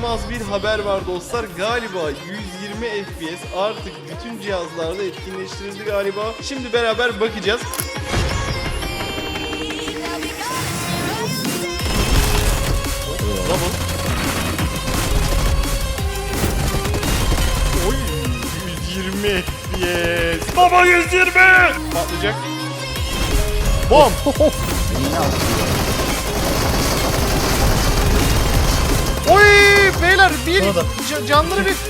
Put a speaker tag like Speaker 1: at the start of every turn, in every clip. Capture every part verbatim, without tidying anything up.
Speaker 1: İnanılmaz bir haber var dostlar. Galiba yüz yirmi F P S artık bütün cihazlarda etkinleştirildi galiba. Şimdi beraber bakacağız. Double. Oy, yüz yirmi F P S. Baba yüz yirmi. Patlayacak. Bom. Oy beyler bir ca- canları bir.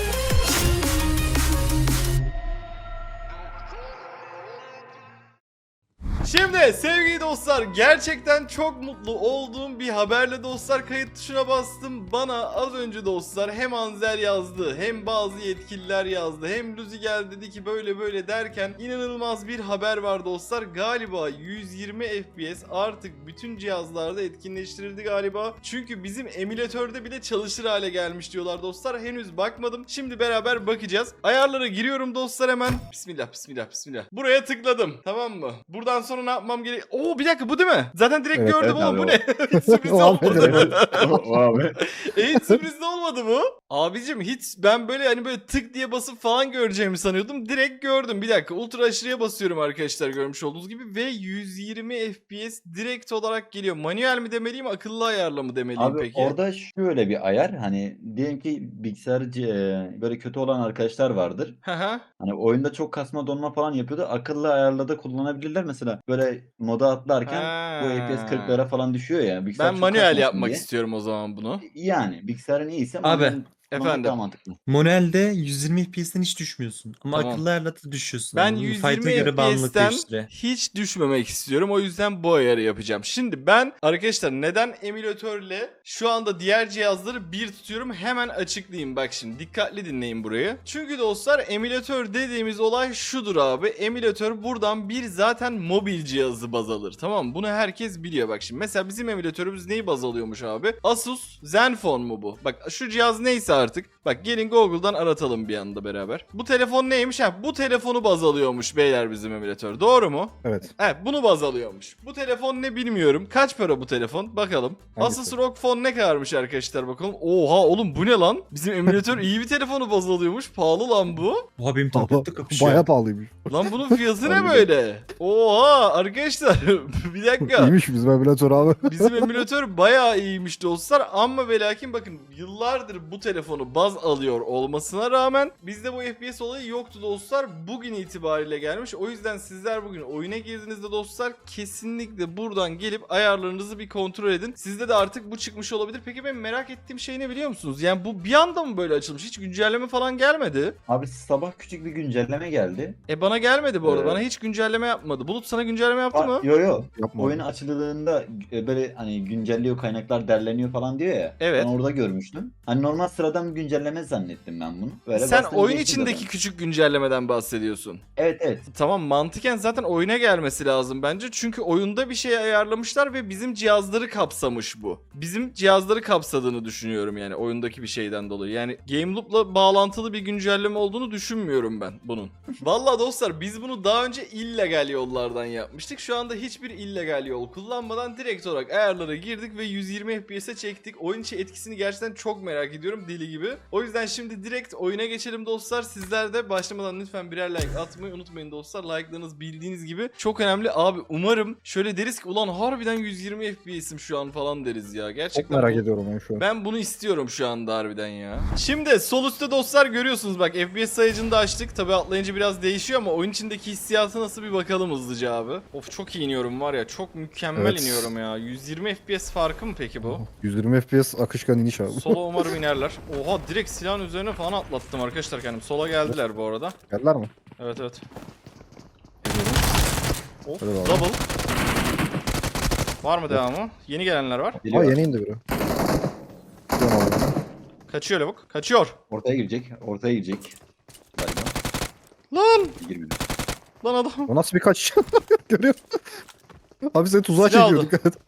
Speaker 1: Şimdi sevgili dostlar, gerçekten çok mutlu olduğum bir haberle dostlar kayıt tuşuna bastım. Bana az önce dostlar hem Anzer yazdı, hem bazı yetkililer yazdı, hem Luzi geldi dedi ki böyle böyle derken inanılmaz bir haber var dostlar. Galiba yüz yirmi F P S artık bütün cihazlarda etkinleştirildi galiba. Çünkü bizim emülatörde bile çalışır hale gelmiş diyorlar dostlar. Henüz bakmadım. Şimdi beraber bakacağız. Ayarlara giriyorum dostlar hemen. Bismillah bismillah bismillah. Buraya tıkladım. Tamam mı? Buradan sonra ne yapmam gerek? Oo bir dakika bu değil mi? Zaten direkt
Speaker 2: Evet,
Speaker 1: gördüm
Speaker 2: evet
Speaker 1: ama
Speaker 2: abi,
Speaker 1: bu
Speaker 2: o.
Speaker 1: ne? Hiç sürpriz olmadı.
Speaker 2: O abi.
Speaker 1: E, hiç sürpriz de olmadı bu. Abicim hiç ben böyle hani böyle tık diye basıp falan göreceğimi sanıyordum. Direkt gördüm. Bir dakika ultra aşırıya basıyorum arkadaşlar görmüş olduğunuz gibi ve yüz yirmi F P S direkt olarak geliyor. Manuel mi demeliyim, akıllı ayarla mı demeliyim
Speaker 2: Abi
Speaker 1: peki?
Speaker 2: orada şöyle bir ayar, hani diyelim ki bilgisayarcı e, böyle kötü olan arkadaşlar vardır.
Speaker 1: Hı hı.
Speaker 2: Hani oyunda çok kasma donma falan yapıyordu. Akıllı ayarla da kullanabilirler. Mesela böyle moda atlarken bu F P S kırklara falan düşüyor ya. Bilgisayar
Speaker 1: Ben
Speaker 2: çok
Speaker 1: manuel
Speaker 2: kasmasın
Speaker 1: yapmak
Speaker 2: diye.
Speaker 1: istiyorum o zaman bunu.
Speaker 2: Yani bilgisayarın iyiyse
Speaker 3: Abi,
Speaker 2: manuel kullanmak
Speaker 1: efendim.
Speaker 2: daha mantıklı.
Speaker 3: Manuelde yüz yirmi F P S'ten hiç düşmüyorsun. Ama
Speaker 1: Tamam.
Speaker 3: akıllı ayarla da düşüyorsun.
Speaker 1: Ben
Speaker 3: Yani
Speaker 1: yüz
Speaker 3: fight'a
Speaker 1: yirmi
Speaker 3: göre bağımlılık
Speaker 1: F P S'ten
Speaker 3: değiştiriyor.
Speaker 1: hiç düşmemek istiyorum. O yüzden bu ayarı yapacağım. Şimdi ben arkadaşlar neden emülatörle şu anda diğer cihazları bir tutuyorum hemen açıklayayım. Bak şimdi dikkatli dinleyin burayı. Çünkü dostlar emülatör dediğimiz olay şudur abi. Emülatör buradan bir zaten mobil cihazı baz alır. Tamam mı? Bunu herkes biliyor bak şimdi. Mesela bizim emülatörümüz neyi baz alıyormuş abi? Asus Zenfone mu bu? Bak şu cihaz neyse artık. Bak gelin Google'dan aratalım bir anda beraber. Bu telefon neymiş? Ha bu telefonu baz alıyormuş beyler bizim emülatör. Doğru mu?
Speaker 4: Evet.
Speaker 1: Evet bunu baz alıyormuş. Bu telefon ne bilmiyorum. Kaç para bu telefon? Bakalım.
Speaker 4: Hangisi?
Speaker 1: Asus R O G Phone ne kadarmış arkadaşlar bakalım. Oha oğlum bu ne lan? Bizim emülatör iyi bir telefonu baz alıyormuş. Pahalı lan bu.
Speaker 3: Oha benim tablette kapışıyor.
Speaker 4: Bayağı pahalıymış.
Speaker 1: Lan bunun fiyatı ne
Speaker 2: Harbiden.
Speaker 1: böyle? Oha arkadaşlar bir dakika.
Speaker 4: İyiymiş bizim emülatör abi.
Speaker 1: Bizim emülatör bayağı iyiymiş dostlar ama ve lakin bakın yıllardır bu telefonu baz alıyor olmasına rağmen bizde bu F P S olayı yoktu dostlar. Bugün itibariyle gelmiş. O yüzden sizler bugün oyuna girdiğinizde dostlar kesinlikle buradan gelip ayarlarınızı bir kontrol edin. Sizde de artık bu çıkmış olabilir. Peki ben merak ettiğim şey ne biliyor musunuz? Yani bu bir anda mı böyle açılmış? Hiç güncelleme falan gelmedi.
Speaker 2: Abi sabah küçük bir güncelleme geldi.
Speaker 1: E bana gelmedi bu arada.
Speaker 2: Ee,
Speaker 1: Bana hiç güncelleme yapmadı. Bulut sana güncelleme yaptı mı?
Speaker 2: Aa, yo yo.
Speaker 4: Yapma.
Speaker 2: Oyun açıldığında e, böyle hani güncelliyor, kaynaklar derleniyor falan diyor ya.
Speaker 1: Evet.
Speaker 2: Ben orada görmüştüm. Hani normal sıradan bir güncelleme zannettim ben bunu. Böyle
Speaker 1: Sen
Speaker 2: bastım,
Speaker 1: oyun
Speaker 2: geçti
Speaker 1: içindeki
Speaker 2: zaten.
Speaker 1: küçük güncellemeden bahsediyorsun.
Speaker 2: Evet evet.
Speaker 1: Tamam mantıken zaten oyuna gelmesi lazım bence. Çünkü oyunda bir şey ayarlamışlar ve bizim cihazları kapsamış bu. Bizim cihazları kapsadığını düşünüyorum yani oyundaki bir şeyden dolayı. Yani Game Loop'la bağlantılı bir güncelleme olduğunu düşünmüyorum ben bunun. Vallahi dostlar biz bunu daha önce illegal yollardan yapmıştık. Şu anda hiçbir illegal yol kullanmadan direkt olarak ayarlara girdik ve yüz yirmi F P S'e çektik. Oyun içi etkisini gerçekten çok merak ediyorum deli gibi. O yüzden şimdi direkt oyuna geçelim dostlar. Sizler de başlamadan lütfen birer like atmayı unutmayın dostlar. Like'larınız bildiğiniz gibi çok önemli. Abi umarım şöyle deriz ki ulan harbiden yüz yirmi F P S'im şu an falan deriz ya. Gerçekten
Speaker 4: Çok merak
Speaker 1: bu-
Speaker 4: ediyorum ben şu an.
Speaker 1: ben bunu istiyorum şu anda harbiden ya. Şimdi sol üstte dostlar görüyorsunuz bak F P S sayıcını da açtık. Tabi atlayınca biraz değişiyor ama oyun içindeki hissiyatı nasıl bir bakalım hızlıca abi. Of çok iyi iniyorum var ya çok mükemmel
Speaker 4: Evet.
Speaker 1: iniyorum ya. yüz yirmi F P S farkı mı peki bu?
Speaker 4: yüz yirmi F P S akışkan iniş abi.
Speaker 1: Sola umarım inerler. Oha direkt silahın üzerine falan atlattım arkadaşlar kendim. Sola geldiler bu arada.
Speaker 4: Geldiler mi?
Speaker 1: Evet evet. Of
Speaker 4: Hadi bakalım.
Speaker 1: double. Var mı devamı? Yeni gelenler var.
Speaker 4: Aa
Speaker 2: Geliyor.
Speaker 4: yeni indi biri. Gidiyorum abi.
Speaker 1: Kaçıyor lavuk. Kaçıyor.
Speaker 2: Ortaya girecek. Ortaya girecek. Galiba.
Speaker 1: Lan!
Speaker 2: Girmedi.
Speaker 1: Lan adam.
Speaker 4: O nasıl bir kaç? Görüyor musun? Abi seni tuzağa
Speaker 1: Silah
Speaker 4: çekiyor
Speaker 1: aldı.
Speaker 4: dikkat et.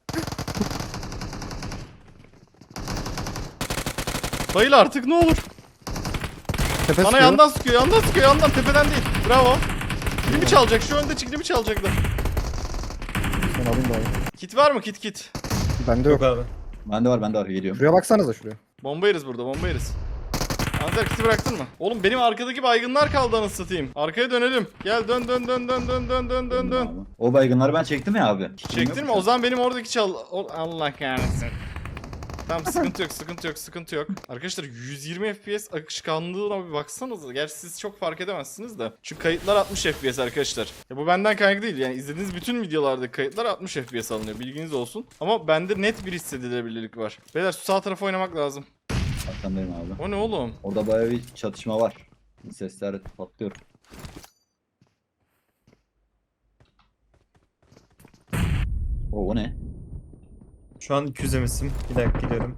Speaker 1: Bayıl artık ne olur.
Speaker 4: Tepe
Speaker 1: Bana
Speaker 4: sıkıyor.
Speaker 1: yandan sıkıyor, yandan sıkıyor, yandan tepeden değil. Bravo. Kilimi çalacak, şu önde kilimi çalacaktı.
Speaker 4: Sen alayım da abi.
Speaker 1: Kit var mı kit kit?
Speaker 4: Bende yok.
Speaker 3: Yok abi.
Speaker 2: Bende var bende var geliyorum.
Speaker 4: Şuraya baksanıza şuraya.
Speaker 1: Bomba yeriz burada, bomba yeriz. Anzer kiti bıraktın mı? Oğlum benim arkadaki baygınlar kaldı anasını satayım. Arkaya dönelim. Gel dön dön dön dön dön dön dön dön dön.
Speaker 2: Abi. O baygınları ben çektim ya abi.
Speaker 1: Çektin mi? O zaman benim oradaki çal... O- Allah kahretsin. Tamam sıkıntı yok sıkıntı yok sıkıntı yok. Arkadaşlar yüz yirmi F P S akışkanlığına bir baksanıza. Gerçi siz çok fark edemezsiniz de. Çünkü kayıtlar altmış F P S arkadaşlar. Ya bu benden kaynaklı değil. Yani izlediğiniz bütün videolardaki kayıtlar altmış F P S alınıyor. Bilginiz olsun. Ama bende net bir hissedilebilirlik var. Beyler şu sağ tarafa oynamak lazım.
Speaker 2: Arkandayım abi.
Speaker 1: O ne oğlum?
Speaker 2: Orada bayağı bir çatışma var. Sesler patlıyor. O, o ne?
Speaker 3: Şu an iki yüz emesim. Bir dakika geliyorum.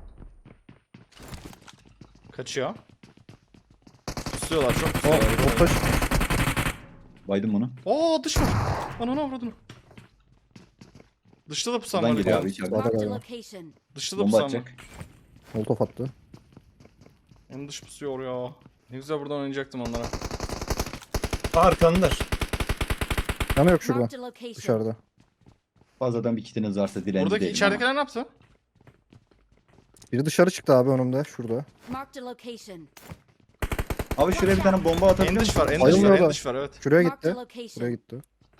Speaker 1: Kaçıyor. Pusuyorlar çok
Speaker 4: O
Speaker 1: pusuyorlar.
Speaker 4: orta
Speaker 2: Baydım bunu.
Speaker 1: Oo dış var. Ananı avradını. Dışta da pusan
Speaker 2: Buradan
Speaker 1: var.
Speaker 2: geliyor
Speaker 1: ya.
Speaker 2: abi içeride.
Speaker 4: Sağda
Speaker 5: Marked a
Speaker 4: galiba.
Speaker 5: location.
Speaker 1: Dışta da
Speaker 2: Bomba
Speaker 1: pusan var.
Speaker 2: atacak.
Speaker 4: Molotof attı.
Speaker 1: En dış pusuyor ya. Ne güzel buradan oynayacaktım onlara.
Speaker 3: Aa, arkandalar.
Speaker 4: Yanı yok şurada.
Speaker 5: Marked a location.
Speaker 4: Dışarıda.
Speaker 2: Fazladan bir kitiniz varsa dilenci
Speaker 1: Buradaki
Speaker 2: değilim
Speaker 1: içeridekiler ne yaptı?
Speaker 4: Biri dışarı çıktı abi önümde. Şurada.
Speaker 5: Marked a location.
Speaker 2: ama. Abi şuraya bir tane bomba atabilir
Speaker 1: En dış
Speaker 2: misin?
Speaker 1: var, en dış
Speaker 4: Bayılmıyor
Speaker 1: var, en
Speaker 4: da.
Speaker 1: dış var evet.
Speaker 4: Şuraya
Speaker 5: Marked a
Speaker 4: gitti. Şuraya
Speaker 5: location.
Speaker 4: gitti.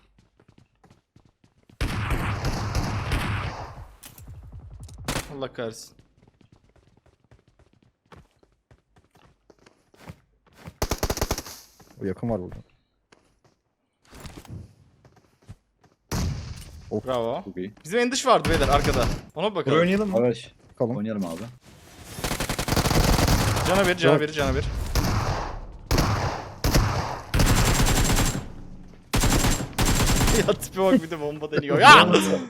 Speaker 1: Allah kahretsin.
Speaker 4: O yakın var burada.
Speaker 1: Bravo.
Speaker 2: Çok iyi.
Speaker 1: Bizim en dış vardı beyler arkada. Ona bir
Speaker 3: Buraya
Speaker 1: bakalım.
Speaker 3: oynayalım mı?
Speaker 2: Arkadaş
Speaker 4: Bakalım.
Speaker 2: oynayalım abi.
Speaker 1: Cana bir, cana bir, cana bir. Ya tipe bak bir de bomba deniyor. Ya!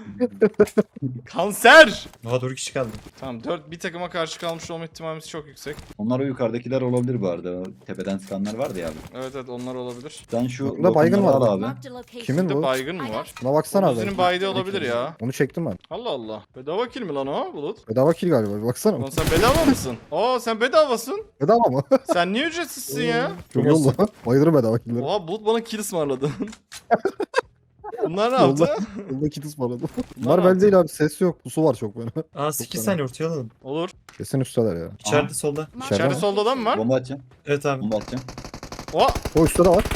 Speaker 1: Kanser!
Speaker 3: Daha doğru kişi kaldı.
Speaker 1: Tamam dört bir takıma karşı kalmış olma ihtimalimiz çok yüksek.
Speaker 2: Onlar o yukarıdakiler olabilir bu arada. O tepeden sıkanlar vardı ya abi.
Speaker 1: Evet evet onlar olabilir.
Speaker 2: Sen şu
Speaker 4: Burada baygın
Speaker 2: lokumları
Speaker 4: var.
Speaker 2: al abi.
Speaker 5: Marked a location.
Speaker 4: Kimin
Speaker 1: Bir de
Speaker 4: bu?
Speaker 1: baygın mı var?
Speaker 4: Buna baksana abi.
Speaker 1: Buzi'nin baydı olabilir ya.
Speaker 4: Onu çektim ben.
Speaker 1: Allah Allah. Bedava kill mi lan o Bulut?
Speaker 4: Bedava kill galiba. Bir baksana.
Speaker 1: Lan sen bedava mısın? Aa sen bedavasın.
Speaker 4: Bedava mı?
Speaker 1: Sen niye ücretsizsin ya?
Speaker 4: Çok yolla. Bayılırım bedava killleri.
Speaker 1: Oha Bulut bana kill ısmarladı. Bunlar ne
Speaker 4: Yolla.
Speaker 1: yaptı?
Speaker 4: Yolda kit ısmarladım.
Speaker 1: Bunlar
Speaker 4: Bunlar
Speaker 1: ne
Speaker 4: belli
Speaker 1: yaptı?
Speaker 4: değil abi. Ses yok. Pusu var çok böyle.
Speaker 3: Aa sekiz
Speaker 4: fena.
Speaker 3: saniye ortaya alalım.
Speaker 1: Olur.
Speaker 4: Kesin üstteler ya.
Speaker 3: İçeride
Speaker 2: Aha.
Speaker 3: solda.
Speaker 5: Marked a
Speaker 4: İçeride
Speaker 1: İçeride solda adam mı var?
Speaker 2: Bomba atacağım.
Speaker 3: Evet abi.
Speaker 2: Bomba atacağım.
Speaker 1: Oha!
Speaker 4: O üstte de var.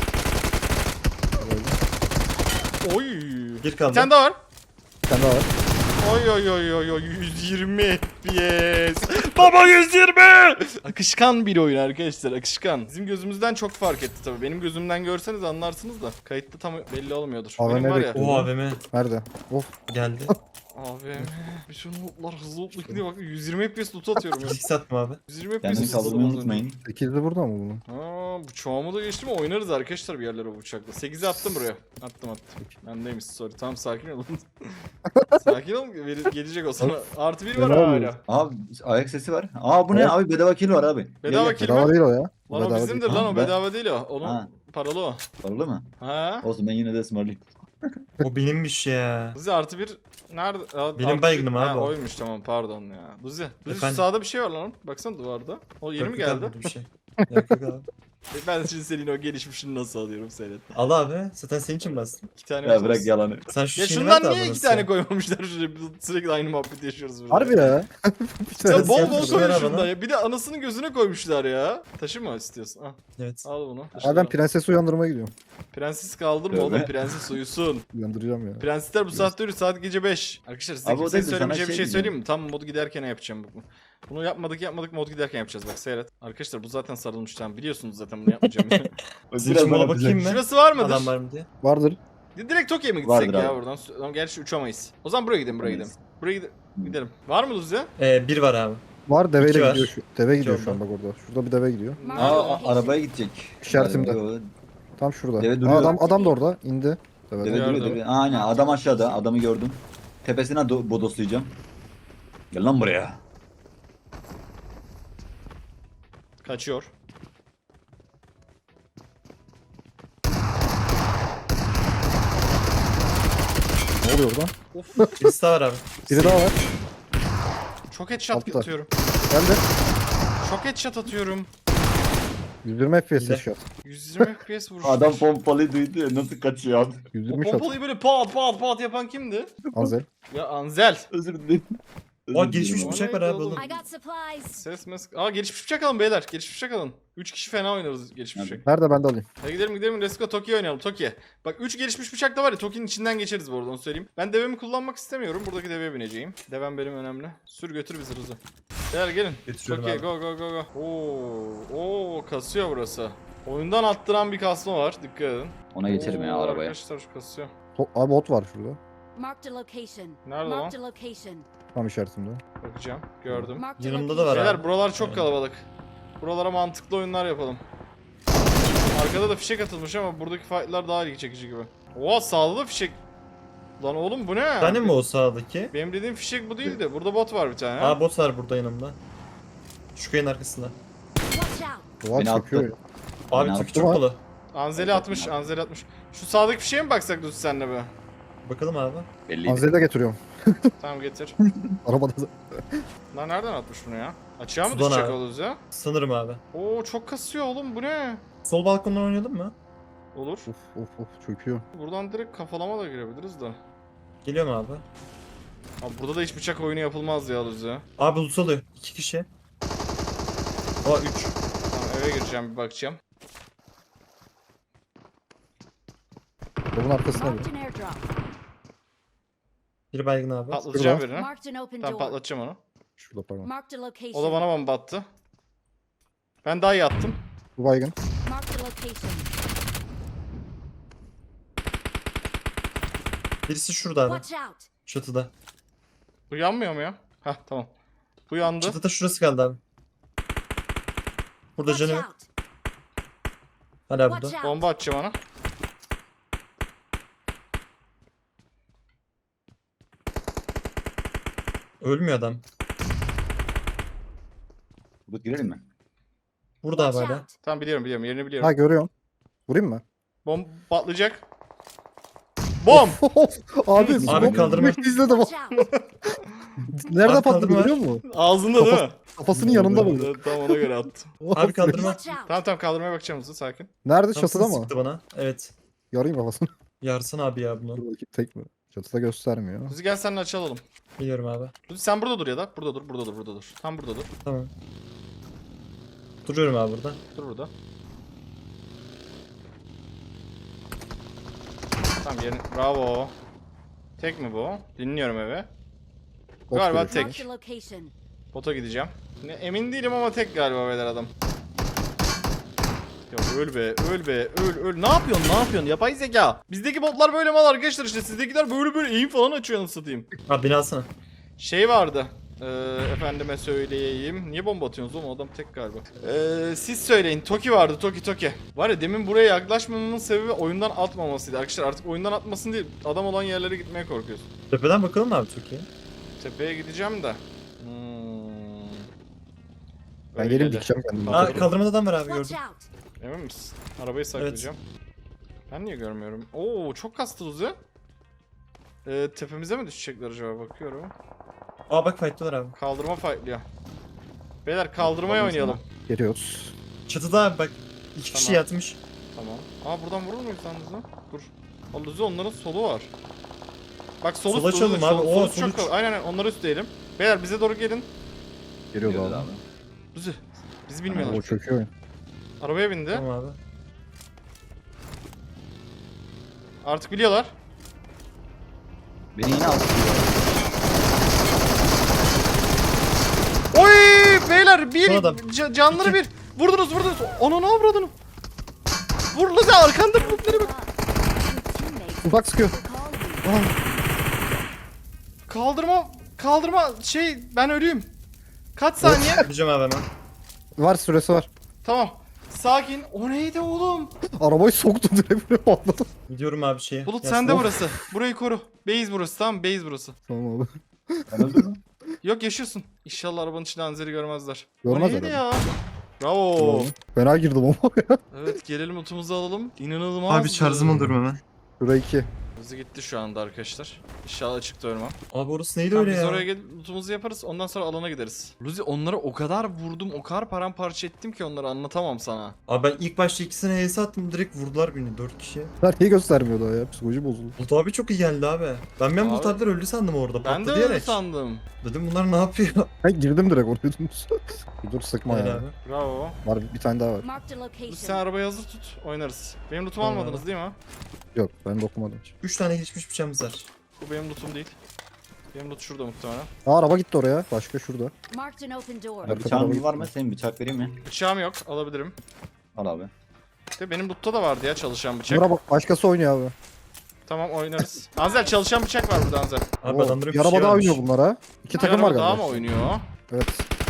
Speaker 1: Oy!
Speaker 3: Bir
Speaker 1: Bir
Speaker 3: kaldı.
Speaker 1: tane daha var.
Speaker 4: Bir tane daha var.
Speaker 1: Oy oy oy oy oy yüz yirmi F P S. Baba yüz yirmi. Akışkan bir oyun arkadaşlar akışkan. Bizim gözümüzden çok fark etti tabii. Benim gözümden görseniz anlarsınız da kayıtta tam belli olmuyordur.
Speaker 4: A V M
Speaker 1: Benim var ya.
Speaker 4: bekliyor.
Speaker 3: O A V M
Speaker 4: Nerede? Of.
Speaker 3: geldi.
Speaker 1: Abi bütün lootlar hızlı lootlu gidiyor bak yüz yirmi F P S loot atıyorum ya.
Speaker 3: Fizik satma abi.
Speaker 1: yüz yirmi F P
Speaker 2: Kendini
Speaker 1: S loot
Speaker 2: kaldırmayı
Speaker 1: atıyorum az önce.
Speaker 2: unutmayın.
Speaker 4: sekizli burada mı bunun?
Speaker 1: Aa bu çoğumu da geçti mi oynarız arkadaşlar bir yerlere o bıçakla. sekizi attım buraya. Attım attım. Bendeymiş sorry. Tamam sakin olun. Sakin ol veri- gelecek o sana. Artı bir var
Speaker 4: Ne
Speaker 1: hala.
Speaker 4: oluyor?
Speaker 2: Abi ayak sesi var. Aa bu ne
Speaker 4: Evet.
Speaker 2: abi bedava kill var abi.
Speaker 1: Bedava
Speaker 2: Gel, gel.
Speaker 1: kill
Speaker 4: Bedava
Speaker 1: mi?
Speaker 4: değil o ya.
Speaker 1: Lan o
Speaker 4: Bedava
Speaker 1: bizimdir
Speaker 4: değil.
Speaker 1: lan
Speaker 2: Ha,
Speaker 1: o
Speaker 2: ben-
Speaker 1: bedava değil o. Onun
Speaker 2: Ha.
Speaker 1: paralı o.
Speaker 2: Paralı mı?
Speaker 1: Ha?
Speaker 2: Olsun ben yine de ısmarlayayım.
Speaker 3: O benimmiş ya.
Speaker 1: Buzi artı bir nerede? Aa,
Speaker 3: Benim
Speaker 1: artı
Speaker 3: baygınım
Speaker 1: bir-
Speaker 3: abi
Speaker 1: Ha,
Speaker 3: o.
Speaker 1: oymuş tamam pardon ya. Buzi. Buzi şu
Speaker 3: Efendim?
Speaker 1: sağda bir şey var lan. Baksana duvarda. O yeni mi
Speaker 3: Yok, yok
Speaker 1: geldi?
Speaker 3: abi, böyle Bir şey. Yok yok abi.
Speaker 1: E, ben şimdi senin o gelişmişini nasıl alıyorum seyret.
Speaker 3: Al abi. Zaten senin için bastım.
Speaker 1: İki tane
Speaker 2: Ya
Speaker 1: olsun.
Speaker 2: bırak yalanı.
Speaker 3: Sen şu
Speaker 1: Ya
Speaker 3: şeyini
Speaker 1: şundan
Speaker 3: ver de
Speaker 1: niye
Speaker 3: abi
Speaker 1: iki
Speaker 3: nasıl
Speaker 1: tane
Speaker 3: ya?
Speaker 1: koymamışlar şuraya? Biz sürekli aynı muhabbeti yaşıyoruz burada.
Speaker 4: Harbi ya.
Speaker 1: Ya bol bol
Speaker 3: Yapmışlar
Speaker 1: koyun
Speaker 3: abi
Speaker 1: şundan
Speaker 3: bana.
Speaker 1: ya. Bir de anasının gözüne koymuşlar ya. Taşı mı istiyorsun? Al,
Speaker 3: Evet.
Speaker 1: al bunu.
Speaker 4: Abi ben prensesi uyandırmaya gidiyorum.
Speaker 1: Prenses kaldırma
Speaker 2: Tövbe.
Speaker 1: oğlum. Prenses uyusun.
Speaker 4: Uyandıracağım ya.
Speaker 1: Prensesler bu saatte uyuyor. Saat gece beş. Arkadaşlar size
Speaker 2: Abi o
Speaker 1: kimseye
Speaker 2: değil de sana
Speaker 1: söylemeyeceğim bir
Speaker 2: şey
Speaker 1: şey söyleyeyim mi? Tam modu giderken yapacağım bu. Bunu yapmadık yapmadık mod giderken yapacağız bak seyret. Arkadaşlar bu zaten sarılmış tamam biliyorsunuz zaten bunu yapmayacağım.
Speaker 3: Sizin için mola bakayım mı?
Speaker 1: Şurası var mıdır?
Speaker 3: Adam var mı diye.
Speaker 4: Vardır.
Speaker 1: Direkt Tokyo'ya mı gitsek
Speaker 2: Vardır
Speaker 1: ya
Speaker 2: abi.
Speaker 1: buradan? Tamam, gerçi uçamayız. O zaman buraya gidelim buraya gidelim.
Speaker 2: Uçamayız.
Speaker 1: Buraya gide- gidelim. Var mı Luz ya?
Speaker 3: Ee, bir var abi.
Speaker 4: Var deveyle
Speaker 3: İki var.
Speaker 4: gidiyor şu. Deve gidiyor
Speaker 3: İki
Speaker 4: şu an
Speaker 3: oldu.
Speaker 4: bak orada. Şurada bir deve gidiyor.
Speaker 5: Marked a
Speaker 2: Aa a-
Speaker 5: location.
Speaker 2: arabaya gidecek.
Speaker 4: İşaretimde.
Speaker 2: Yo,
Speaker 4: Tam şurada.
Speaker 2: Deve
Speaker 4: Aa,
Speaker 2: duruyor.
Speaker 4: adam adam da orada indi. Deve.
Speaker 2: Deve
Speaker 1: Gördüm.
Speaker 2: duruyor deve. Aa, aynen adam aşağıda adamı gördüm. Tepesine do- bodoslayacağım. Gel lan buraya.
Speaker 1: Kaçıyor.
Speaker 4: Ne oluyor orada?
Speaker 1: Of.
Speaker 3: Birisi daha var abi.
Speaker 4: Biri daha var.
Speaker 1: Çok headshot
Speaker 4: Altta.
Speaker 1: atıyorum.
Speaker 4: Geldi.
Speaker 1: Çok headshot atıyorum.
Speaker 4: yüz yirmi F P S
Speaker 3: Güzel.
Speaker 4: shot.
Speaker 1: yüz yirmi F P S vuruş.
Speaker 2: Adam pompalıyı duydu ya nasıl kaçıyor abi.
Speaker 4: yüz
Speaker 1: O
Speaker 4: yirmi shot.
Speaker 1: pompalıyı böyle pat pat pat yapan kimdi?
Speaker 4: Anzel.
Speaker 1: Ya Anzel.
Speaker 2: Özür dilerim.
Speaker 3: Aa gelişmiş bıçak var
Speaker 1: neydi
Speaker 3: abi
Speaker 1: oğlum?
Speaker 3: oğlum.
Speaker 5: I got supplies.
Speaker 1: Ses mes... Aa gelişmiş bıçak alın beyler. Gelişmiş bıçak alın. üç kişi fena oynarız gelişmiş
Speaker 2: Nerede?
Speaker 1: bıçak.
Speaker 4: Nerede ben de alayım.
Speaker 1: Hadi gidelim gidelim. Let's go Toki'ye oynayalım. Toki'ye. Bak üç gelişmiş bıçak da var ya. Toki'nin içinden geçeriz bu arada onu söyleyeyim. Ben devemi kullanmak istemiyorum. Buradaki deveye bineceğim. Devem benim önemli. Sür götür bizi Rıza. Beyler gelin.
Speaker 3: Götürüyorum
Speaker 1: Toki'ye
Speaker 3: abi.
Speaker 1: go go go go. Oo, oo kasıyor burası. Oyundan attıran bir kasma var. Dikkat edin.
Speaker 2: Ona geçerim ya
Speaker 1: Oo,
Speaker 2: arabaya.
Speaker 1: Arkadaşlar şu kasıyor.
Speaker 4: To- Abi bot var şurada.
Speaker 5: Marked a location.
Speaker 1: Nerede
Speaker 5: Marked a location.
Speaker 4: Tam işaretimde.
Speaker 1: Bakacağım. Gördüm.
Speaker 5: Marked a
Speaker 3: Yanımda da var
Speaker 1: Beyler
Speaker 3: abi.
Speaker 1: buralar çok
Speaker 3: Aynen.
Speaker 1: kalabalık. Buralara mantıklı oyunlar yapalım. Arkada da fişek atılmış ama buradaki fightlar daha ilgi çekici gibi. Oha sağda da fişek. Lan oğlum bu ne?
Speaker 3: Bir tane mi o sağdaki?
Speaker 1: Benim dediğim fişek bu değildi. Burada bot var bir tane.
Speaker 3: Aa bot var burada yanımda. Şu kayın arkasında.
Speaker 5: Watch out.
Speaker 4: Duvar
Speaker 2: Beni
Speaker 4: çekiyor
Speaker 2: attı.
Speaker 4: ya.
Speaker 3: Abi
Speaker 2: Ne
Speaker 3: Toki
Speaker 2: yaptı
Speaker 3: çok
Speaker 4: lan?
Speaker 3: dolu.
Speaker 1: Anzeli atmış, Anzeli atmış. Şu sağdaki fişeğe mi baksak Lucy senle be?
Speaker 3: Bakalım abi.
Speaker 2: Belliydi.
Speaker 4: Anzeli de getiriyorum.
Speaker 1: Tamam getir.
Speaker 4: Arabada da.
Speaker 1: Lan nereden atmış bunu ya? Açığa mı
Speaker 3: Sudan
Speaker 1: düşecek
Speaker 3: abi.
Speaker 1: o Lucy ya?
Speaker 3: Sanırım abi.
Speaker 1: Oo çok kasıyor oğlum bu ne?
Speaker 3: Sol balkondan oynayalım mı?
Speaker 1: Olur.
Speaker 4: Of of of çöküyor.
Speaker 1: Buradan direkt kafalama da girebiliriz da.
Speaker 3: Geliyorum abi.
Speaker 1: Abi burada da hiç bıçak oyunu yapılmaz ya Lucy.
Speaker 3: Abi loot alıyor. İki kişi. Aa üç.
Speaker 1: Tamam eve gireceğim bir bakacağım.
Speaker 4: Yolun arkasına
Speaker 5: Marked
Speaker 4: bir.
Speaker 5: an airdrop.
Speaker 3: Biri baygın abi.
Speaker 1: Patlatacağım
Speaker 4: Şurada.
Speaker 1: birini.
Speaker 5: Marked an open
Speaker 1: Tamam
Speaker 5: door.
Speaker 1: patlatacağım onu.
Speaker 4: Şurada pardon.
Speaker 5: Marked a location.
Speaker 1: O da bana bomba attı. Ben daha iyi attım.
Speaker 4: Bu baygın.
Speaker 5: Marked a location.
Speaker 3: Birisi şurada abi.
Speaker 5: Watch out.
Speaker 3: Çatıda.
Speaker 1: Bu yanmıyor mu ya? Heh tamam. Bu yandı.
Speaker 3: Çatıda şurası kaldı abi. Burada
Speaker 5: Watch
Speaker 3: canı yok.
Speaker 5: out.
Speaker 3: Hala
Speaker 5: Watch
Speaker 3: burada.
Speaker 5: out.
Speaker 1: Bomba atacağım ona.
Speaker 3: Ölmüyor adam.
Speaker 2: Bu girelim mi?
Speaker 3: Burada abi
Speaker 5: Watch
Speaker 3: hala.
Speaker 5: out.
Speaker 1: Tamam biliyorum biliyorum yerini biliyorum.
Speaker 4: Ha görüyorum. Vurayım mı?
Speaker 1: Bomba patlayacak. Bom!
Speaker 4: Abi,
Speaker 3: Abi
Speaker 4: smoke
Speaker 3: kaldırma.
Speaker 4: bekle izledim.
Speaker 5: Watch out.
Speaker 4: Nerede
Speaker 3: Abi
Speaker 4: patladı
Speaker 3: kaldırma.
Speaker 4: biliyor musun?
Speaker 1: Ağzında değil mi?
Speaker 4: Kafasının yanında buldum.
Speaker 1: Evet, tamam ona göre attım.
Speaker 3: Abi kaldırma.
Speaker 5: Watch out.
Speaker 1: Tamam tamam kaldırmaya bakacağım hızlı sakin.
Speaker 4: Nerede?
Speaker 3: Tam
Speaker 4: Çatıda mı?
Speaker 3: sıktı bana. Evet.
Speaker 4: Yarayım kafasını.
Speaker 3: Yarsın abi ya bunu.
Speaker 4: Dur bakayım tek mi? Çatıda göstermiyor.
Speaker 1: Luzi gel seninle açalım.
Speaker 3: Biliyorum abi.
Speaker 1: Luzi sen burada dur ya da. Burada dur burada dur burada dur. Tam burada dur.
Speaker 3: Tamam. Duruyorum abi burada.
Speaker 1: Dur burada. Tamam yerin. Bravo. Tek mi bu? Dinliyorum eve.
Speaker 4: Bot
Speaker 1: Galiba
Speaker 4: görüyor.
Speaker 1: tek.
Speaker 5: Marked a location.
Speaker 1: Bota gideceğim. Ne, emin değilim ama tek galiba beyler adam. Ya öl be, öl be, öl öl. Ne yapıyorsun, ne yapıyorsun? Yapay zeka. Bizdeki botlar böyle mal arkadaşlar işte. Sizdekiler böyle böyle eğim falan açıyor anasını satayım.
Speaker 3: Abi beni alsana.
Speaker 1: Şey vardı. Ee, efendime söyleyeyim. Niye bomba atıyorsunuz oğlum? Adam tek galiba. Ee, siz söyleyin. Toki vardı. Toki Toki. Var ya demin buraya yaklaşmamamın sebebi oyundan atmamasıydı. Arkadaşlar artık oyundan atmasın değil. Adam olan yerlere gitmeye korkuyorsun.
Speaker 3: Tepeden bakalım mı abi Türkiye?
Speaker 1: Tepeye gideceğim de. Hmm.
Speaker 4: Ben
Speaker 1: Öyle
Speaker 4: geleyim
Speaker 1: dedi.
Speaker 4: dikeceğim kendimi.
Speaker 3: Aa kaldırmada adam var abi
Speaker 5: Watch
Speaker 3: gördüm.
Speaker 5: out.
Speaker 1: Emin misin? Arabayı saklayacağım. Ben niye görmüyorum? Oo çok kastı Uzi. Ee, tepemize mi düşecekler acaba bakıyorum.
Speaker 3: Aa bak fight'talar abi.
Speaker 1: Kaldırma fightlıyor. Beyler kaldırmaya
Speaker 2: Olmasın
Speaker 1: oynayalım.
Speaker 4: Geliyoruz.
Speaker 3: Çatıda abi bak. İki kişi
Speaker 1: Tamam.
Speaker 3: yatmış.
Speaker 1: Tamam. Aa buradan vurur muyuz lan Luzi? Dur. Aa, Luzi onların solu var. Bak solu
Speaker 3: Sola
Speaker 1: solu-
Speaker 3: açalım
Speaker 1: solu-
Speaker 3: abi. Oo,
Speaker 1: solu
Speaker 3: sol
Speaker 1: çok
Speaker 3: üç.
Speaker 1: kal- Aynen aynen onları üstleyelim. Beyler bize doğru gelin.
Speaker 4: Geliyordu
Speaker 2: Geliyordu
Speaker 4: abi.
Speaker 2: abi.
Speaker 1: Luzi. Bizi
Speaker 4: O
Speaker 1: bilmiyorlar.
Speaker 4: çöküyor oyun.
Speaker 1: Arabaya bindi.
Speaker 3: Tamam abi.
Speaker 1: Artık biliyorlar.
Speaker 2: Beni yine aldı.
Speaker 1: Oy beyler bir
Speaker 3: Son adam.
Speaker 1: ca- canları
Speaker 3: İki.
Speaker 1: bir. Vurdunuz vurdunuz. Onu ne avradını? Vur Luzi arkanda bulutları bak.
Speaker 5: Your teammates
Speaker 4: Uzak sıkıyor.
Speaker 5: will call you.
Speaker 1: Kaldırma kaldırma şey ben ölüyüm. Kaç saniye?
Speaker 3: Gideceğim abi hemen.
Speaker 4: Var süresi var.
Speaker 1: Tamam. Sakin. O neydi oğlum?
Speaker 4: Arabayı soktu direkt buraya patladı.
Speaker 3: Gidiyorum abi şeye.
Speaker 1: Bulut
Speaker 3: Yasin.
Speaker 1: sende burası. Burayı koru. Base burası tamam base burası.
Speaker 4: Tamam abi.
Speaker 2: Ben öldüm mü?
Speaker 1: Yok yaşıyorsun. İnşallah arabanın içinde Anzer'i görmezler.
Speaker 4: Görmez
Speaker 1: o neydi
Speaker 4: herhalde.
Speaker 1: ya? Bravo.
Speaker 4: Fena girdim ama ya.
Speaker 1: Evet gelelim utumuzu alalım. İnanılmaz.
Speaker 3: Abi şarjımı alıyorum hemen.
Speaker 4: Şuraya iki.
Speaker 1: Hızlı gitti şu anda arkadaşlar. İnşallah açıkta ölmem.
Speaker 3: Abi orası neydi
Speaker 1: Tamam,
Speaker 3: öyle
Speaker 1: biz
Speaker 3: ya?
Speaker 1: oraya gelip lootumuzu yaparız. Ondan sonra alana gideriz. Luzi onlara o kadar vurdum, o kadar paramparça ettim ki onları anlatamam sana.
Speaker 3: Abi ben ilk başta ikisine H S attım, direkt vurdular beni dört kişi.
Speaker 4: Her şeyi göstermiyor daha ya. Psikoloji bozuldu.
Speaker 3: Bulut abi çok iyi geldi abi. Ben ben Bulut
Speaker 1: Abi-
Speaker 3: abiler öldü sandım orada.
Speaker 1: Ben de
Speaker 3: patladı
Speaker 1: öyle
Speaker 3: diyerek.
Speaker 1: sandım.
Speaker 3: Dedim bunlar ne yapıyor?
Speaker 4: Ben girdim direkt oraya dümdüz. Dur sıkma
Speaker 3: Öyle
Speaker 4: ya.
Speaker 3: abi.
Speaker 1: Bravo.
Speaker 4: Var bir tane daha var.
Speaker 5: Marked a
Speaker 1: Luzi sen
Speaker 5: location.
Speaker 1: arabayı hazır tut, oynarız. Benim lootumu
Speaker 3: Tamam.
Speaker 1: almadınız değil mi?
Speaker 4: Yok ben dokumadım.
Speaker 3: Üç tane geçmiş bıçağımız var.
Speaker 1: Bu benim lootum değil. Benim loot şurada muhtemelen.
Speaker 4: Aa araba gitti oraya. Başka şurada.
Speaker 5: Marked an open door.
Speaker 4: Arka
Speaker 2: Bıçağın
Speaker 4: tarafa
Speaker 2: var mı?
Speaker 4: gittim.
Speaker 2: Senin bıçak vereyim mi?
Speaker 1: Bıçağım yok, alabilirim.
Speaker 2: Al abi.
Speaker 1: De benim loot'ta da vardı ya çalışan bıçak.
Speaker 4: Buna bak başkası oynuyor abi.
Speaker 1: Tamam oynarız. Anzel çalışan bıçak var burada Anzel.
Speaker 3: Abi
Speaker 4: Oo,
Speaker 3: adamların
Speaker 4: bir araba daha
Speaker 3: varmış.
Speaker 4: oynuyor bunlara. İki
Speaker 1: Bir
Speaker 4: takım var
Speaker 1: araba daha
Speaker 4: galiba.
Speaker 1: mı oynuyor?
Speaker 4: Evet.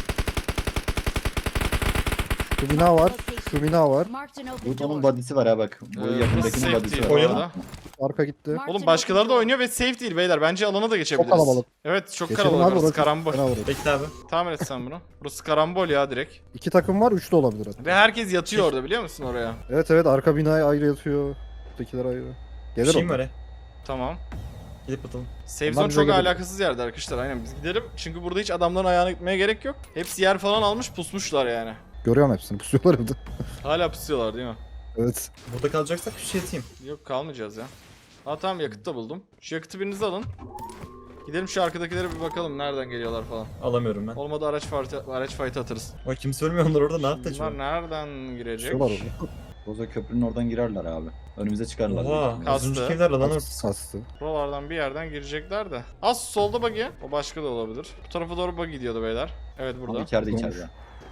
Speaker 4: Şu bina var. Şu bina var.
Speaker 5: Marked an open
Speaker 2: Bu onun
Speaker 5: door.
Speaker 2: body'si var ha bak. Bu
Speaker 1: Ee,
Speaker 2: yakındakinin
Speaker 1: safe
Speaker 2: body'si
Speaker 1: değil
Speaker 2: var.
Speaker 1: bu
Speaker 3: Oynayalım.
Speaker 1: arada.
Speaker 4: Arka gitti.
Speaker 5: Marked
Speaker 1: Oğlum
Speaker 5: an
Speaker 1: başkaları
Speaker 5: open
Speaker 1: da
Speaker 5: door.
Speaker 1: oynuyor ve safe değil beyler. Bence alana da geçebiliriz.
Speaker 4: Çok kalabalık.
Speaker 1: Evet çok
Speaker 4: Geçelim
Speaker 1: kalabalık
Speaker 4: abi,
Speaker 1: orası.
Speaker 4: orası
Speaker 1: Karambol.
Speaker 4: fena vurur.
Speaker 3: Bekle abi.
Speaker 1: Tahmin et sen bunu. Burası karambol ya direkt.
Speaker 4: İki takım var. Üç de olabilir hatta.
Speaker 1: Ve herkes yatıyor orada biliyor musun oraya?
Speaker 4: Evet evet arka binaya ayrı yatıyor. Ötekiler ayrı.
Speaker 3: Bir
Speaker 4: Gelir
Speaker 3: şeyim
Speaker 4: o.
Speaker 3: var ya.
Speaker 1: Tamam.
Speaker 3: Gidip atalım.
Speaker 1: Safe
Speaker 4: Onlar
Speaker 1: zone
Speaker 4: bize
Speaker 1: çok
Speaker 4: gelir.
Speaker 1: alakasız yerde arkadaşlar. Aynen biz gidelim. Çünkü burada hiç adamların ayağına gitmeye gerek yok. Hepsi yer falan almış pusmuşlar yani.
Speaker 4: Görüyorum hepsini. Pusuyorlar evde.
Speaker 1: Hala pusuyorlar değil mi?
Speaker 4: Evet.
Speaker 3: Burada kalacaksak bir şey atayım.
Speaker 1: Yok kalmayacağız ya. Aa tamam yakıt da buldum. Şu yakıtı biriniz alın. Gidelim şu arkadakilere bir bakalım nereden geliyorlar falan.
Speaker 3: Alamıyorum ben.
Speaker 1: Olmadı araç fight, araç fight atarız.
Speaker 3: Ay kimse ölmüyor onlar orada, ne yaptı
Speaker 1: Bunlar
Speaker 3: acaba?
Speaker 1: nereden girecek?
Speaker 4: Pusuyorlar orada.
Speaker 2: Boza köprünün oradan girerler abi. Önümüze çıkarlar.
Speaker 3: Oha.
Speaker 2: büyük
Speaker 1: Kastı.
Speaker 3: Az önceki evler lan orada.
Speaker 4: Sastı.
Speaker 1: Buralardan bir yerden girecekler de. Az solda buggy. O başka da olabilir. Bu tarafa doğru buggy gidiyordu beyler. Evet
Speaker 2: ihtimalle.
Speaker 1: burada.
Speaker 2: Abi içeride
Speaker 4: Olmuş.
Speaker 2: içeride.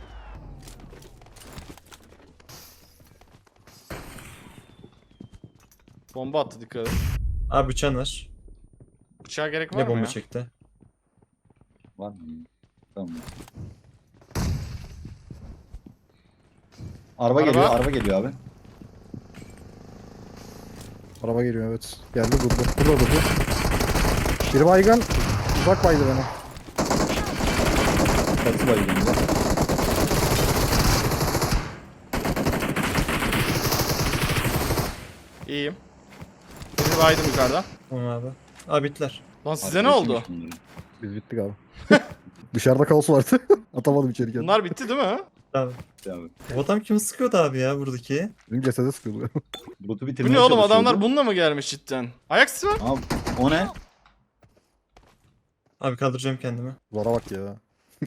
Speaker 1: Bomba attı dikkat et.
Speaker 3: Abi bıçağın var.
Speaker 1: Bıçağa gerek var
Speaker 3: Ne
Speaker 1: mı
Speaker 3: bomba
Speaker 1: ya?
Speaker 3: çekti?
Speaker 2: Var mı? Tamam. Araba,
Speaker 1: Araba.
Speaker 2: geliyor, araba geliyor abi.
Speaker 4: Araba geliyor evet. Geldi durdu. Burada durdu. Biri baygın. Uzak baydı beni.
Speaker 2: Kaçı var elimde.
Speaker 1: İyiyim. Birini baydım yukarıdan.
Speaker 3: Tamam abi. Abi bittiler.
Speaker 1: Lan size ne oldu?
Speaker 4: Biz bittik abi. Dışarıda kaos vardı. Atamadım içeri kendimi.
Speaker 1: Bunlar bitti değil mi?
Speaker 3: Abi.
Speaker 2: Abi.
Speaker 3: Bu adam kimi sıkıyordu abi ya buradaki?
Speaker 4: Benim cesede sıkıyordu.
Speaker 2: Bulut
Speaker 1: Bu
Speaker 2: bitirmeye
Speaker 1: ne oğlum
Speaker 2: çalışıyordu.
Speaker 1: adamlar bununla mı gelmiş cidden? Ayak sesi var.
Speaker 2: Abi o ne?
Speaker 3: Abi kaldıracağım kendimi.
Speaker 4: Zora bak ya.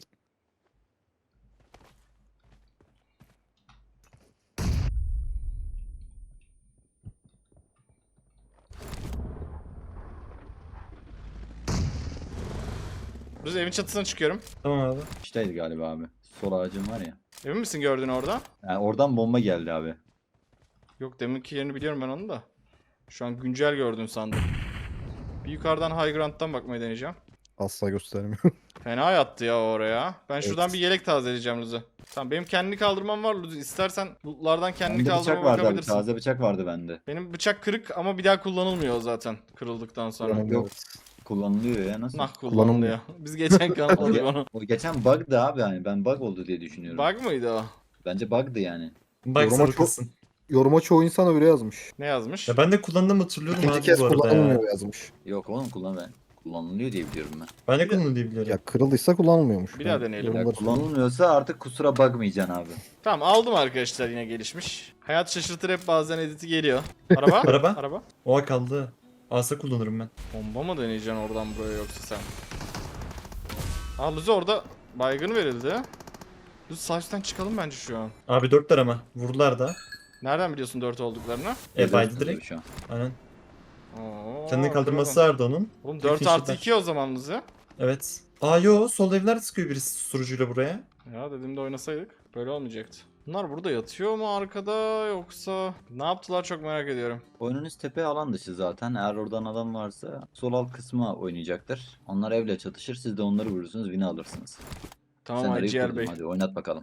Speaker 1: Biz evin çatısına çıkıyorum.
Speaker 3: Tamam abi.
Speaker 2: İşteydi galiba abi. Sol ağacın var ya.
Speaker 1: Emin misin gördün orada?
Speaker 2: Yani oradan bomba geldi abi.
Speaker 1: Yok deminki yerini biliyorum ben onu da. Şu an güncel gördün sandım. Bir yukarıdan high ground'dan bakmayı deneyeceğim.
Speaker 4: Asla göstermiyor.
Speaker 1: Fena yattı ya oraya. Ben şuradan
Speaker 4: Evet.
Speaker 1: bir yelek tazeleyeceğim Luzi. Tamam benim kendini kaldırmam var Luzi. İstersen lootlardan kendini
Speaker 2: Bende bıçak
Speaker 1: kaldırmama
Speaker 2: vardı abi.
Speaker 1: bakabilirsin.
Speaker 2: Taze bıçak vardı bende.
Speaker 1: Benim bıçak kırık ama bir daha kullanılmıyor o zaten kırıldıktan sonra.
Speaker 4: Kullanılmıyor.
Speaker 2: Yok. Kullanılıyor ya nasıl?
Speaker 1: Nah
Speaker 4: Kullanılmıyor.
Speaker 1: kullanılıyor. Biz geçen kanıtladık onu.
Speaker 2: O geçen bug'dı abi yani. Ben bug oldu diye düşünüyorum.
Speaker 1: Bug mıydı o?
Speaker 2: Bence bug'dı yani.
Speaker 3: Bak
Speaker 4: Yoruma çok-
Speaker 3: sarılsın.
Speaker 4: Yoruma çoğu insan öyle yazmış.
Speaker 1: Ne yazmış?
Speaker 3: Ya ben de kullandığımı hatırlıyorum
Speaker 4: İkinci
Speaker 3: abi
Speaker 4: kez
Speaker 3: bu arada ya.
Speaker 4: kullanılmıyor yazmış.
Speaker 2: Yok oğlum kullan ben. Kullanılıyor diye biliyorum ben.
Speaker 3: Ben de
Speaker 1: Bir de-
Speaker 3: kullanılıyor diye biliyorum.
Speaker 4: Ya kırıldıysa kullanılmıyormuş.
Speaker 1: Bir daha
Speaker 4: Yani
Speaker 1: deneyelim.
Speaker 2: Ya
Speaker 4: yorumları
Speaker 2: kullanılmıyorsa artık kusura bakmayacaksın abi.
Speaker 1: Tamam aldım arkadaşlar yine gelişmiş. Hayat şaşırtır hep bazen editi geliyor. Araba?
Speaker 3: Araba?
Speaker 1: Araba?
Speaker 3: Oha kaldı. Asa kullanırım ben.
Speaker 1: Bomba mı deneyeceksin oradan buraya yoksa sen? Aa Luzi orada baygın verildi. Luzi sahipten çıkalım bence şu an.
Speaker 3: Abi dörtler ama. Vurdular da.
Speaker 1: Nereden biliyorsun dört olduklarını?
Speaker 3: E baydı
Speaker 2: Gözler
Speaker 3: direkt.
Speaker 2: şu an.
Speaker 3: Aynen.
Speaker 1: Oo,
Speaker 3: Kendini kaldırması
Speaker 1: bakalım.
Speaker 3: vardı onun.
Speaker 1: Oğlum dört
Speaker 3: İkinci
Speaker 1: artı
Speaker 3: ben.
Speaker 1: iki o zaman Luzi.
Speaker 3: Evet. Aa yo sol evler sıkıyor birisi susturucuyla buraya.
Speaker 1: Ya dediğimde oynasaydık böyle olmayacaktı. Bunlar burada yatıyor mu arkada yoksa ne yaptılar çok merak ediyorum.
Speaker 2: Oyununuz tepe alan dışı zaten. Eğer oradan adam varsa sol alt kısma oynayacaktır. Onlar evle çatışır. Siz de onları vurursunuz. Win'i alırsınız.
Speaker 1: Tamam
Speaker 2: Senaryoyu
Speaker 1: Ciğer
Speaker 2: kurdum,
Speaker 1: Bey.
Speaker 2: hadi oynat bakalım.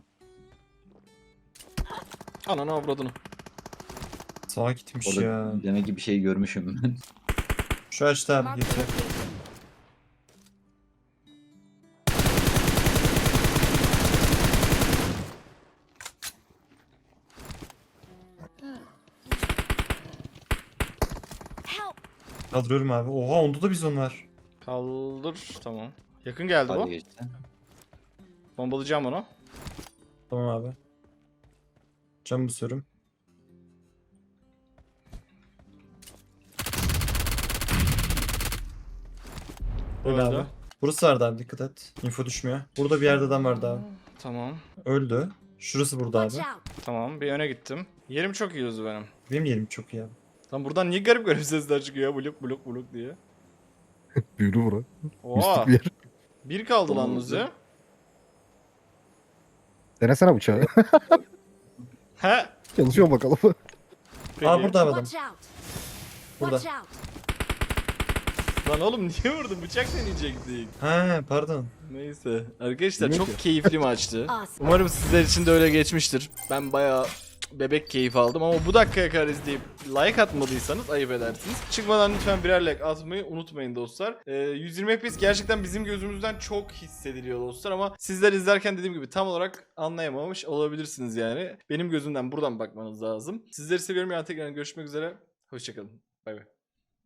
Speaker 1: Ananı avradını.
Speaker 3: Sağa gitmiş
Speaker 2: Orada
Speaker 3: ya.
Speaker 2: demek ki bir şey görmüşüm ben.
Speaker 3: Şu açtı abi
Speaker 5: Marked a
Speaker 3: geçiyor.
Speaker 5: location. Help!
Speaker 3: Kaldırıyorum abi. Oha onda da bizon var.
Speaker 1: Kaldır. Tamam. Yakın geldi
Speaker 2: Hadi
Speaker 1: bu.
Speaker 2: geçti.
Speaker 1: Bombalayacağım onu.
Speaker 3: Tamam abi. Cam basıyorum. Öyle
Speaker 1: Öldü.
Speaker 3: abi. Burası vardı abi dikkat et. Info düşmüyor. Burada bir yerde adam vardı abi.
Speaker 1: Tamam.
Speaker 3: Öldü. Şurası burada
Speaker 5: Watch
Speaker 3: abi.
Speaker 5: out.
Speaker 1: Tamam. Bir öne gittim. Yerim çok iyi o benim.
Speaker 3: Benim yerim çok iyi abi.
Speaker 1: Lan buradan niye garip garip sesler çıkıyor ya? Blok blok blok diye.
Speaker 4: Büyülü bura.
Speaker 1: Oha.
Speaker 4: Mistik bir yer.
Speaker 1: Bir kaldı lan
Speaker 2: Tamam,
Speaker 1: Luzi.
Speaker 4: Denesene bıçağı.
Speaker 1: He.
Speaker 4: Çalışıyor bakalım.
Speaker 1: Peki.
Speaker 3: Aa burada abi adam.
Speaker 5: Watch out.
Speaker 3: Burada.
Speaker 5: Watch out.
Speaker 1: Lan oğlum niye vurdun? Bıçak deneyecektik.
Speaker 3: Ha pardon.
Speaker 1: Neyse. Arkadaşlar
Speaker 4: Bilmiyorum
Speaker 1: çok
Speaker 4: ki.
Speaker 1: keyifli maçtı.
Speaker 5: Awesome.
Speaker 1: Umarım sizler için de öyle geçmiştir. Ben bayağı bebek keyif aldım ama bu dakikaya kadar izleyip like atmadıysanız ayıp edersiniz. Çıkmadan lütfen birer like atmayı unutmayın dostlar. Ee, yüz yirmi F P S gerçekten bizim gözümüzden çok hissediliyor dostlar ama sizler izlerken dediğim gibi tam olarak anlayamamış olabilirsiniz yani. Benim gözümden buradan bakmanız lazım. Sizleri seviyorum, yani tekrar görüşmek üzere. Hoşçakalın. Bay bay.